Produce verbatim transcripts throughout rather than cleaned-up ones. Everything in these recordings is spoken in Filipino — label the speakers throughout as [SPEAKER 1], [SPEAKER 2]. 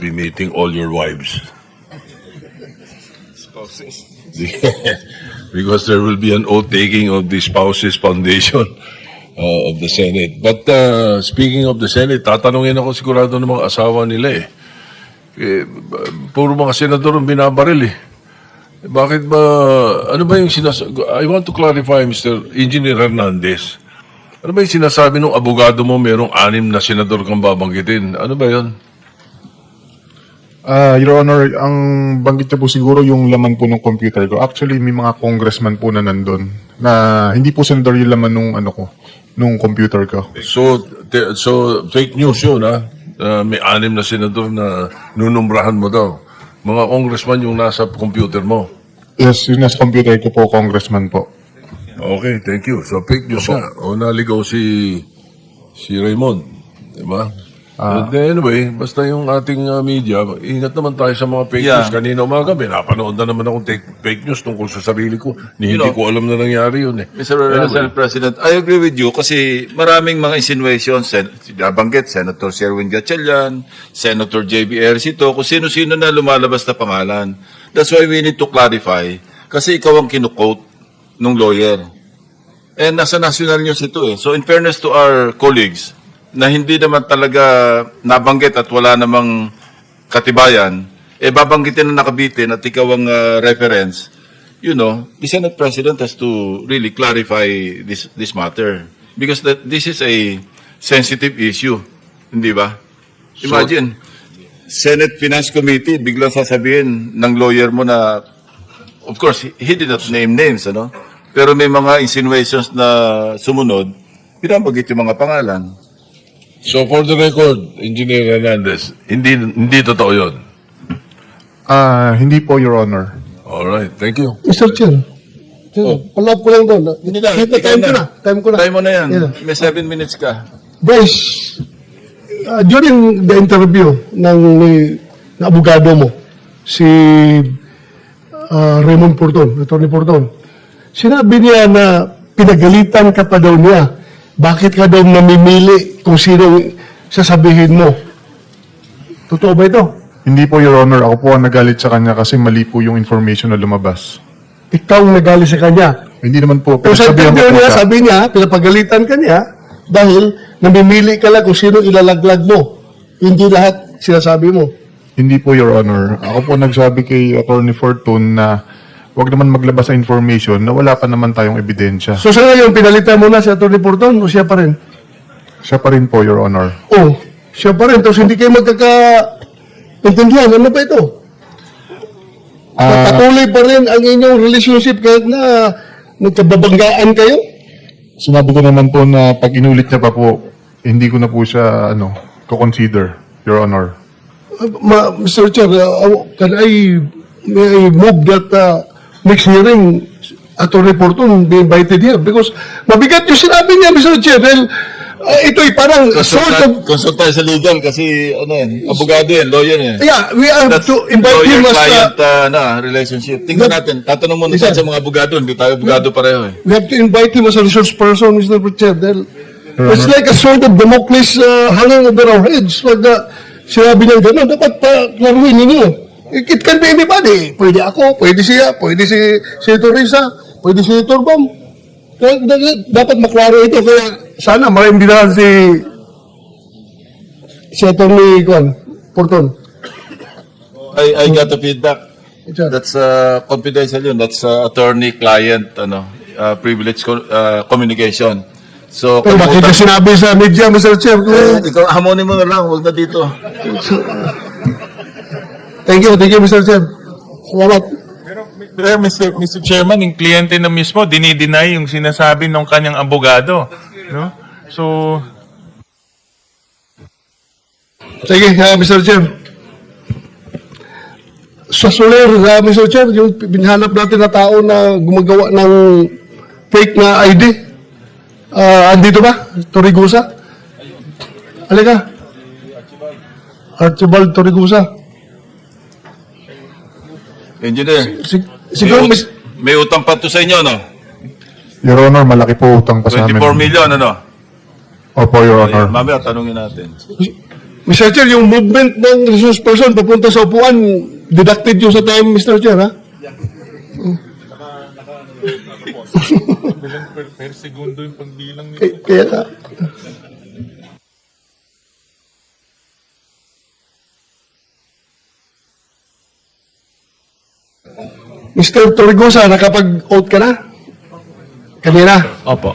[SPEAKER 1] be meeting all your wives. Because there will be an oath-taking of the Spouses Foundation uh, of the Senate. But uh, speaking of the Senate, tatanungin ako sigurado ng mga asawa nila eh. eh puro mga senador ang binabaril eh. Bakit ba, ano ba yung sinasabi? I want to clarify, Mister Engineer Hernandez. Ano ba yung sinasabi ng abogado mo merong anim na senador kang babanggitin? Ano ba yun?
[SPEAKER 2] Ah, Your Honor, ang banggit niya po siguro yung laman po ng computer ko. Actually, may mga congressman po na nandun na hindi po senador yung laman nung ano ko, nung computer ko.
[SPEAKER 1] So, te- so fake news yun, ha? Uh, may anim na senador na nunumbrahan mo daw. Mga congressman yung nasa computer mo.
[SPEAKER 2] Yes, yung nasa computer ko po, congressman po.
[SPEAKER 1] Okay, thank you. So, fake news nga. O naligaw si si Raymond. Diba?
[SPEAKER 2] Ah.
[SPEAKER 1] But anyway, basta yung ating uh, media, ingat naman tayo sa mga fake
[SPEAKER 3] Yeah.
[SPEAKER 1] news. Kanina umaga, pinapanood na naman akong take, fake news tungkol sa sarili ko. Ni,
[SPEAKER 3] You
[SPEAKER 1] hindi
[SPEAKER 3] know,
[SPEAKER 1] ko alam na nangyari yun eh.
[SPEAKER 3] Mister Senate President, I agree with you kasi maraming mga insinuations, sen nabanggit, Senator Sherwin Gatchalian, Senator J B Ercito, kung sino-sino na lumalabas na pangalan. That's why we need to clarify kasi ikaw ang kinukote nung lawyer. And nasa national news ito eh. So in fairness to our colleagues, na hindi naman talaga nabanggit at wala namang katibayan, eh babanggitin na nakabitin at ikaw ang uh, reference, you know, the Senate President has to really clarify this this matter. Because that this is a sensitive issue. Hindi ba? Imagine, Senate Finance Committee, biglang sasabihin ng lawyer mo na, of course, he, he did not name names, ano? Pero may mga insinuations na sumunod, pinabanggit yung mga pangalan.
[SPEAKER 1] So, for the record, Engineer Hernandez, hindi, hindi totoo yun.
[SPEAKER 2] Ah, hindi po, Your Honor.
[SPEAKER 1] Alright, thank you.
[SPEAKER 4] Mister Chair,
[SPEAKER 3] Oh.
[SPEAKER 4] palab ko lang doon.
[SPEAKER 3] Hindi na,
[SPEAKER 4] Kahit na
[SPEAKER 3] ikaw
[SPEAKER 4] time
[SPEAKER 3] na.
[SPEAKER 4] ko na. Time ko na.
[SPEAKER 3] Time mo na yan.
[SPEAKER 4] Yeah.
[SPEAKER 3] May seven minutes ka.
[SPEAKER 4] Bryce, uh, during the interview ng ni, na abogado mo, si uh, Raymond Porton, Attorney Porton, sinabi niya na pinagalitan ka pa daw niya. Bakit ka daw namimili kung sino sasabihin mo? Totoo ba ito?
[SPEAKER 2] Hindi po, Your Honor. Ako po ang nagalit sa kanya kasi mali po yung information na lumabas.
[SPEAKER 4] Ikaw ang nagali sa kanya.
[SPEAKER 2] Hindi naman po.
[SPEAKER 4] Pero sa
[SPEAKER 2] Pinagsabihan ko
[SPEAKER 4] interview
[SPEAKER 2] po
[SPEAKER 4] niya,
[SPEAKER 2] siya.
[SPEAKER 4] sabi niya, pinapagalitan ka niya dahil namimili ka lang kung sino ilalaglag mo. Hindi lahat sinasabi mo.
[SPEAKER 2] Hindi po, Your Honor. Ako po nagsabi kay Attorney Fortune na huwag naman maglabas sa information na wala pa naman tayong ebidensya.
[SPEAKER 4] So sa ngayon, pinalitan mo na si Atty. Porton o siya pa rin?
[SPEAKER 2] Siya pa rin po, Your Honor.
[SPEAKER 4] Oh, siya pa rin. Tapos hindi kayo magkaka-intindihan. Ano ba ito?
[SPEAKER 2] Ah,
[SPEAKER 4] Patuloy pa rin ang inyong relationship kahit na nagkababanggaan kayo?
[SPEAKER 2] sinabi ko naman po na pag inulit niya pa po, hindi ko na po siya, ano, ko-consider, Your Honor.
[SPEAKER 4] Uh, ma, Mister Chair, uh, can I, may I move that uh, next hearing Atty. Porton be invited here? Because mabigat yung sinabi niya, Mister Chair. Dahil uh, ito'y parang sort of...
[SPEAKER 3] Consult tayo sa legal kasi ano yan, abogado yan, lawyer yan.
[SPEAKER 4] Yeah, we have
[SPEAKER 3] That's
[SPEAKER 4] to invite him as...
[SPEAKER 3] lawyer-client
[SPEAKER 4] Uh,
[SPEAKER 3] uh, na, relationship. Tingnan
[SPEAKER 4] That-
[SPEAKER 3] natin, tatanong muna
[SPEAKER 4] Isa.
[SPEAKER 3] tayo sa mga abogado, hindi tayo abogado pareho eh.
[SPEAKER 4] we have to invite him as a resource person, Mister Chair. Dahil it's like a sort of Damocles uh, hanging over our heads. Pag uh, sinabi niya gano'n, dapat pa klaruhin ninyo. It, it can be anybody. Pwede ako, pwede siya, pwede si Senator Risa, pwede si Senator Bam. Kaya d- dapat maklaro ito. Kaya sana maimbitahan si si Atty. Kwan, Porton.
[SPEAKER 3] I, I got the feedback.
[SPEAKER 4] Sir.
[SPEAKER 3] That's uh, confidential yun. That's uh, attorney-client ano, uh, privilege co- uh, communication. So,
[SPEAKER 4] Pero bakit niya sinabi sa media, Mister Chair?
[SPEAKER 3] eh, ikaw, hamonin mo na lang, huwag na dito.
[SPEAKER 4] Thank you, thank you, Mister Chair. Salamat.
[SPEAKER 5] Pero Mister Mister Chairman, yung kliyente na mismo, dinideny yung sinasabi ng kanyang abogado. No? So,
[SPEAKER 4] Sige, uh, Mister Chair. Sa Soler, uh, Mister Chair, yung binahanap natin na tao na gumagawa ng fake na I D. Uh, andito ba? Torigusa? Halika. Archibald Torigusa.
[SPEAKER 3] Engineer,
[SPEAKER 4] Sig
[SPEAKER 3] may,
[SPEAKER 4] siguro,
[SPEAKER 3] ut-
[SPEAKER 4] mis
[SPEAKER 3] may utang pa to sa inyo, no?
[SPEAKER 2] Your Honor, malaki po utang pa sa amin.
[SPEAKER 3] twenty-four million, ano?
[SPEAKER 2] Opo, Your Honor.
[SPEAKER 3] Mamaya, tanungin natin.
[SPEAKER 4] mister Chair, yung movement ng resource person papunta sa upuan, deducted yung sa time, mister Chair, ha?
[SPEAKER 5] Bilang per, per segundo yung pagbilang nito.
[SPEAKER 4] Kaya, kaya nga. mister Torregosa, nakapag-out ka na? Kanina?
[SPEAKER 5] Opo.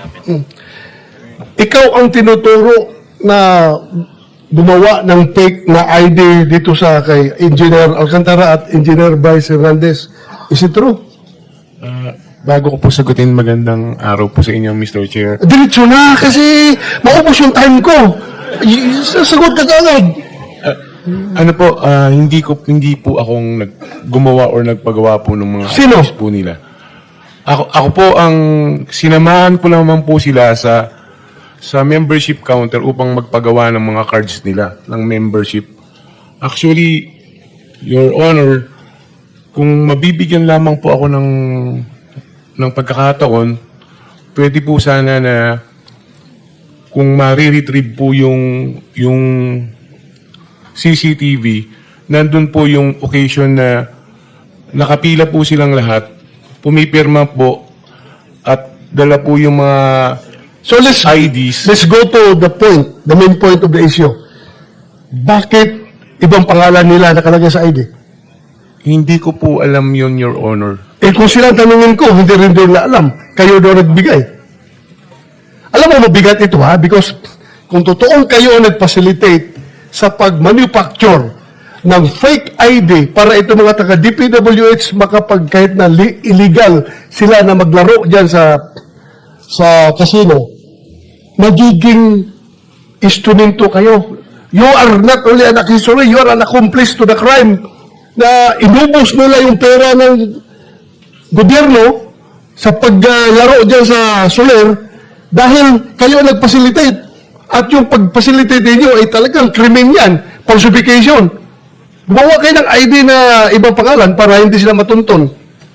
[SPEAKER 4] Ikaw ang tinuturo na gumawa ng fake na I D dito sa kay Engineer Alcantara at Engineer Bryce Hernandez. Is it true?
[SPEAKER 6] Bago ko po sagutin, magandang araw po sa inyo, mister Chair.
[SPEAKER 4] Diretso na kasi maubos yung time ko. Y- Sasagot ka agad.
[SPEAKER 6] Ano po, ah, hindi ko hindi po akong nag, gumawa or nagpagawa po ng mga
[SPEAKER 4] Sino?
[SPEAKER 6] items po nila. Ako, ako po ang sinamahan ko naman po sila sa sa membership counter upang magpagawa ng mga cards nila ng membership. Actually, Your Honor, kung mabibigyan lamang po ako ng ng pagkakataon, pwede po sana na kung ma-retrieve po yung yung C C T V, nandun po yung occasion na nakapila po silang lahat, pumipirma po, at dala po yung mga
[SPEAKER 4] So let's,
[SPEAKER 6] I Ds.
[SPEAKER 4] let's go to the point, the main point of the issue. Bakit ibang pangalan nila nakalagay sa I D?
[SPEAKER 6] Hindi ko po alam yun, Your Honor.
[SPEAKER 4] Eh kung sila tanungin ko, hindi rin din na alam. Kayo daw nagbigay. Alam mo, mabigat ito ha? Because kung totoong kayo ang nag-facilitate sa pag-manufacture ng fake I D para ito mga taga-D P W H makapag kahit na li- illegal sila na maglaro dyan sa sa casino, magiging instrumento kayo. You are not only an accessory, you are an accomplice to the crime na inubos nila yung pera ng gobyerno sa paglaro dyan sa Soler dahil kayo ang nag-facilitate. At yung pag-facilitate ninyo ay talagang krimen yan, falsification. Gumawa kayo ng I D na ibang pangalan para hindi sila matunton.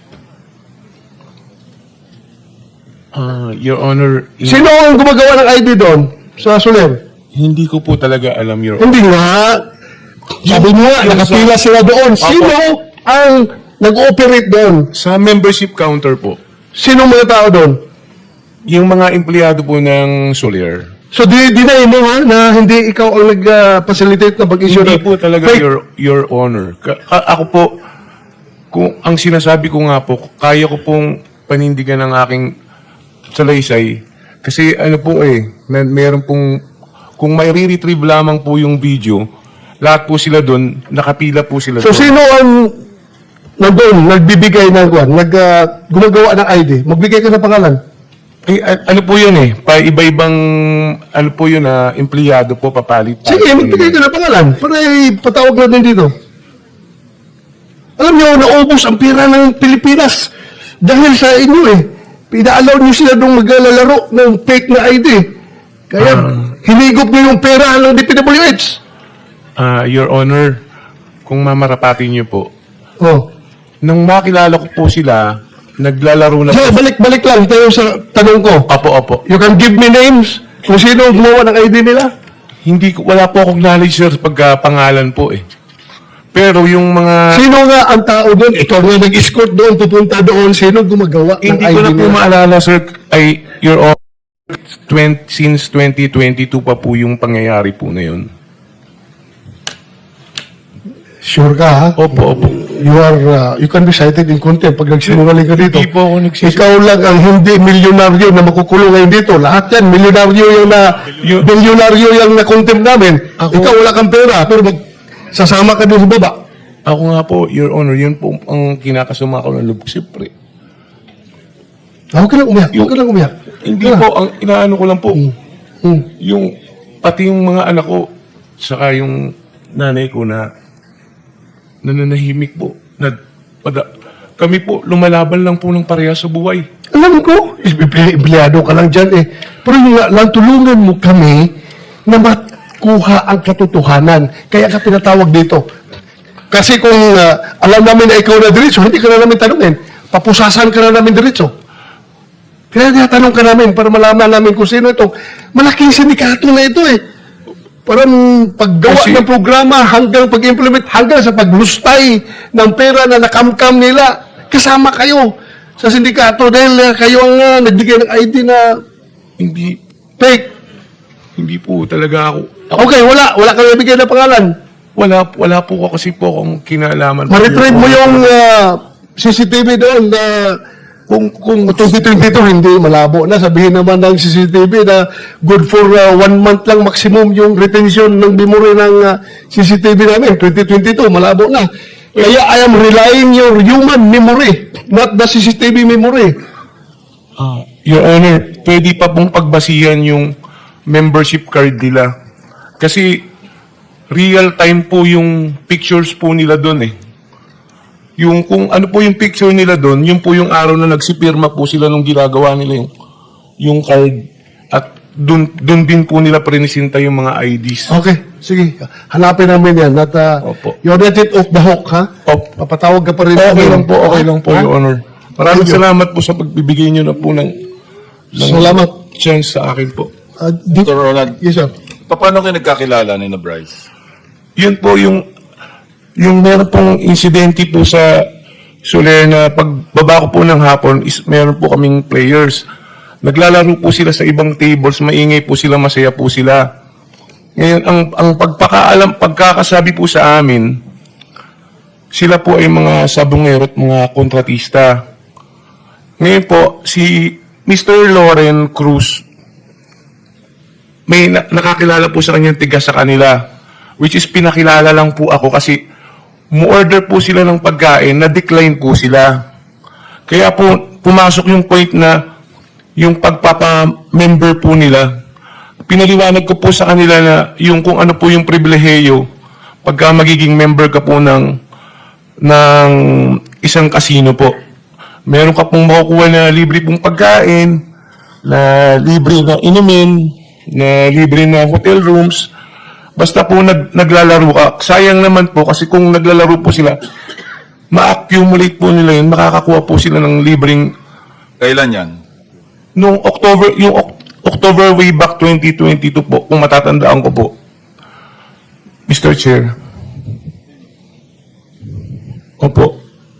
[SPEAKER 6] Ah, Your Honor, hin-
[SPEAKER 4] Sino ang gumagawa ng I D doon sa Soler?
[SPEAKER 6] hindi ko po talaga alam, Your Honor.
[SPEAKER 4] Hindi nga. Sabi mo nga,
[SPEAKER 6] Yung
[SPEAKER 4] nakapila
[SPEAKER 6] sa-
[SPEAKER 4] sila doon. Sino ang nag-ooperate doon?
[SPEAKER 6] Sa membership counter po,
[SPEAKER 4] Sino mga tao doon?
[SPEAKER 6] yung mga empleyado po ng Soler,
[SPEAKER 4] So, di, dinay mo ha, na hindi ikaw ang nag-facilitate na pag-issue
[SPEAKER 6] hindi
[SPEAKER 4] ng
[SPEAKER 6] po talaga,
[SPEAKER 4] fake.
[SPEAKER 6] Your, Your Honor. Ka- ka- ako po, kung ang sinasabi ko nga po, kaya ko pong panindigan ng aking salaysay. Kasi ano po eh, na, meron pong, kung may re-retrieve lamang po yung video, lahat po sila doon, nakapila po sila
[SPEAKER 4] So,
[SPEAKER 6] doon.
[SPEAKER 4] sino ang nandun, nagbibigay ng kwan, nag, ah, gumagawa ng I D? Magbigay ka ng pangalan.
[SPEAKER 6] Eh, a- ano po yun eh, pa iba-ibang, ano po yun na, empleyado po, papalit.
[SPEAKER 4] Sige, magbigay ka ng pangalan para ipatawag natin dito. Alam niyo, naubos ang pera ng Pilipinas dahil sa inyo eh. Pina-allow niyo sila nung maglalaro ng fake na I D. Kaya, hinigop niyo yung pera ng D P W H.
[SPEAKER 6] Ah, Your Honor, kung mamarapatin niyo po,
[SPEAKER 4] Oh.
[SPEAKER 6] nung makilala ko po sila, naglalaro na
[SPEAKER 4] So,
[SPEAKER 6] po.
[SPEAKER 4] balik-balik lang tayo sa tanong ko.
[SPEAKER 6] Opo, opo.
[SPEAKER 4] You can give me names kung sino ang gumawa ng I D nila?
[SPEAKER 6] Hindi ko, wala po akong knowledge, sir, pagkapangalan po eh. Pero yung mga,
[SPEAKER 4] Sino nga ang tao doon? Ikaw nga nag-escort doon, pupunta doon. Sino gumagawa ng
[SPEAKER 6] hindi
[SPEAKER 4] I
[SPEAKER 6] ko
[SPEAKER 4] D
[SPEAKER 6] na po
[SPEAKER 4] nila?
[SPEAKER 6] maalala, sir, ay, Your Honor, twenty, since twenty twenty-two pa po yung pangyayari po na yun.
[SPEAKER 4] Sure ka, ha?
[SPEAKER 6] Opo, opo.
[SPEAKER 4] You are, uh, you can be cited in contempt pag nagsinungaling ka dito.
[SPEAKER 6] Hindi po ako nagsisinungaling.
[SPEAKER 4] Ikaw lang ang hindi milyonaryo na makukulong ngayon dito. Lahat yan, milyonaryo yung na,
[SPEAKER 6] Yun-
[SPEAKER 4] milyonaryo yung na contempt namin.
[SPEAKER 6] Ako-
[SPEAKER 4] Ikaw wala kang pera, pero mag, sasama ka doon sa baba.
[SPEAKER 6] Ako nga po, Your Honor, yun po ang kinakasama ko ng lubog, siyempre.
[SPEAKER 4] Ah, Huwag ka lang umiyak, huwag ka lang umiyak.
[SPEAKER 6] Hindi
[SPEAKER 4] Huwag ka
[SPEAKER 6] po,
[SPEAKER 4] lang.
[SPEAKER 6] ang inaano ko lang po,
[SPEAKER 4] Hmm.
[SPEAKER 6] yung, pati yung mga anak ko, saka yung nanay ko na nananahimik po. Na, pada, kami po, lumalaban lang po ng pareha sa buhay.
[SPEAKER 4] Alam ko, emple- empleyado ka lang dyan eh. Pero yung nga lang, tulungan mo kami na makuha ang katotohanan. Kaya ka pinatawag dito. Kasi kung ah, alam namin na ikaw na diretso, hindi ka na namin tanungin. Papusasan ka na namin diretso. Kaya tinatanong ka namin para malaman namin kung sino itong malaking sindikato na ito eh. Parang paggawa
[SPEAKER 6] Kasi-
[SPEAKER 4] ng programa hanggang pag-implement, hanggang sa paglustay ng pera na nakamkam nila, kasama kayo sa sindikato dahil uh, kayo ang uh, nagbigay ng I D na
[SPEAKER 6] Hindi,
[SPEAKER 4] fake.
[SPEAKER 6] hindi po talaga ako.
[SPEAKER 4] Okay, wala. Wala kang nabigay na pangalan.
[SPEAKER 6] Wala, wala po ako kasi po akong kinalaman.
[SPEAKER 4] Ma-retrieve mo yung uh, C C T V doon na kung kung twenty twenty-two hindi malabo na, sabihin naman ng C C T V na good for uh, one month lang maximum yung retention ng memory ng uh, C C T V namin. twenty twenty-two malabo na. Kaya I am relying your human memory, not the C C T V memory.
[SPEAKER 6] Ah, Your Honor, pwede pa pong pagbasihan yung membership card nila. Kasi real time po yung pictures po nila doon eh. Yung kung ano po yung picture nila doon, yun po yung araw na nagsipirma po sila nung ginagawa nila yung yung card, at doon doon din po nila prinisinta yung mga I Ds.
[SPEAKER 4] Okay, sige. Hanapin namin yan. Not, uh,
[SPEAKER 6] Opo.
[SPEAKER 4] you're not it off the hook, ha?
[SPEAKER 6] Opo.
[SPEAKER 4] Papatawag ka pa rin.
[SPEAKER 6] Okay
[SPEAKER 4] namin.
[SPEAKER 6] lang po, okay lang po,
[SPEAKER 4] Ha?
[SPEAKER 6] Your Honor. Maraming
[SPEAKER 4] Thank you.
[SPEAKER 6] salamat po sa pagbibigay nyo na po ng, ng
[SPEAKER 4] Salamat.
[SPEAKER 6] chance sa akin po.
[SPEAKER 4] Uh, di-
[SPEAKER 3] Doctor Ronald,
[SPEAKER 4] yes, sir.
[SPEAKER 3] paano kayo nagkakilala ni na Bryce?
[SPEAKER 6] Yun po yung yung meron pong insidente po sa Soler na pagbaba ko po ng hapon is meron po kaming players. Naglalaro po sila sa ibang tables, maingay po sila, masaya po sila. Ngayon, ang, ang pagpakaalam, pagkakasabi po sa amin, sila po ay mga sabungero at mga kontratista. Ngayon po, si Mister Loren Cruz, may na- nakakilala po sa kanyang tiga sa kanila, which is pinakilala lang po ako kasi mu-order po sila ng pagkain, na-decline po sila. Kaya po, pumasok yung point na yung pagpapa-member po nila, pinaliwanag ko po sa kanila na yung kung ano po yung pribileheyo pagka magiging member ka po ng, ng isang casino po. Meron ka pong makukuha na libre pong pagkain, na libre na inumin, na libre na hotel rooms. Basta po nag, naglalaro ka. Sayang naman po kasi kung naglalaro po sila, ma-accumulate po nila yun, makakakuha po sila ng libreng
[SPEAKER 3] Kailan yan?
[SPEAKER 6] nung October, yung Oc- October way back twenty twenty-two po, kung matatandaan ko po. Mister Chair. Opo.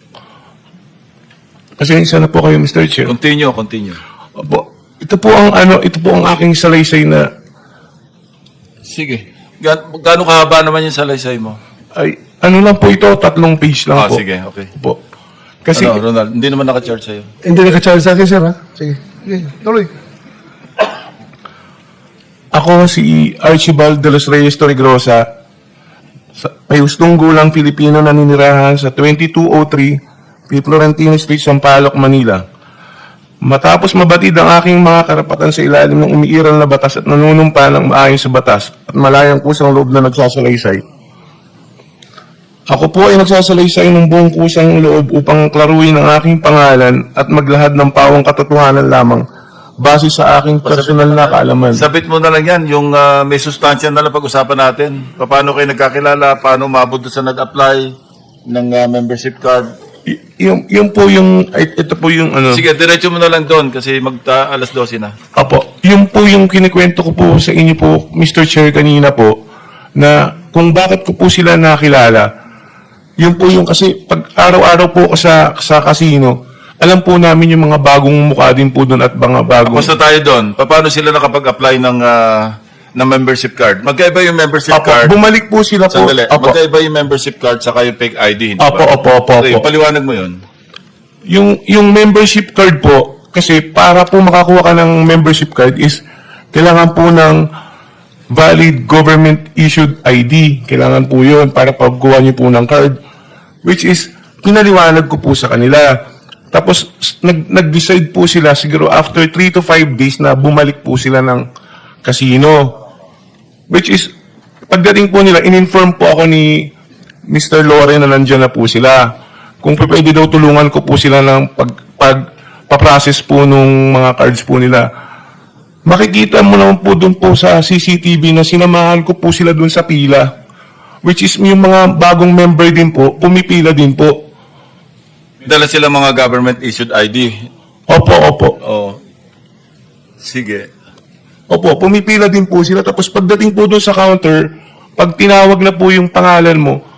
[SPEAKER 6] Pasensya na po kayo, Mister Chair.
[SPEAKER 3] Continue, continue.
[SPEAKER 6] Opo. Ito po ang ano, ito po ang aking salaysay na
[SPEAKER 3] Sige. Gan gaano kahaba naman yung salaysay mo?
[SPEAKER 6] ay ano lang po ito, tatlong page lang
[SPEAKER 3] Ah,
[SPEAKER 6] po.
[SPEAKER 3] sige, okay.
[SPEAKER 6] Opo. Kasi
[SPEAKER 3] ano, Ronald, hindi naman naka-charge sa'yo.
[SPEAKER 4] Hindi naka-charge sa akin, sir, ha? Sige. Sige, tuloy.
[SPEAKER 6] ako si Archibald de los Reyes Torregrosa, sa- may hustong gulang Filipino na ninirahan sa twenty-two oh three P. Florentino Street, Sampaloc, Manila. Matapos mabatid ang aking mga karapatan sa ilalim ng umiiral na batas at nanunumpa ng maayon sa batas at malayang kusang loob na nagsasalaysay. Ako po ay nagsasalaysay ng buong kusang loob upang klaruin ang aking pangalan at maglahad ng pawang katotohanan lamang base sa aking personal na kaalaman.
[SPEAKER 3] Sabit mo na lang yan, yung ah, may sustansya na lang pag-usapan natin. Paano kayo nagkakilala, paano umabot doon sa nag-apply ng ah, membership card.
[SPEAKER 6] Y- yung, yung po yung, ay, ito po yung ano.
[SPEAKER 3] Sige, diretso mo na lang doon kasi magta alas dose na.
[SPEAKER 6] Apo, yung po yung kinikwento ko po sa inyo po, Mister Chair, kanina po, na kung bakit ko po sila nakilala, yun po yung kasi pag araw-araw po ako sa, sa casino, alam po namin yung mga bagong mukha din po doon at mga bagong...
[SPEAKER 3] Basta tayo doon, paano sila nakapag-apply ng, ah, ng membership card? Magkaiba yung membership
[SPEAKER 6] Apo,
[SPEAKER 3] card.
[SPEAKER 6] bumalik po sila po.
[SPEAKER 3] Sandali,
[SPEAKER 6] Apo,
[SPEAKER 3] magkaiba yung membership card saka yung fake I D, hindi
[SPEAKER 6] Apo,
[SPEAKER 3] ba?
[SPEAKER 6] opo, opo,
[SPEAKER 3] Okay,
[SPEAKER 6] opo.
[SPEAKER 3] paliwanag mo yun.
[SPEAKER 6] Yung, yung membership card po, kasi para po makakuha ka ng membership card is kailangan po ng valid government-issued I D. Kailangan po yun para pagkuha niyo po ng card. Which is, pinaliwanag ko po sa kanila. Tapos, s- nag, nag-decide po sila siguro after three to five days na bumalik po sila ng casino. Which is, pagdating po nila, in-inform po ako ni Mister Loren na nandyan na po sila. Kung pa- pwede daw tulungan ko po sila ng pag, pag paprocess po nung mga cards po nila. Makikita mo naman po doon po sa C C T V na sinamahan ko po sila doon sa pila. Which is yung mga bagong member din po, pumipila din po.
[SPEAKER 3] May dala sila mga government-issued I D.
[SPEAKER 6] Opo, opo.
[SPEAKER 3] Oh. Sige.
[SPEAKER 6] Opo, pumipila din po sila. Tapos pagdating po doon sa counter, pag tinawag na po yung pangalan mo,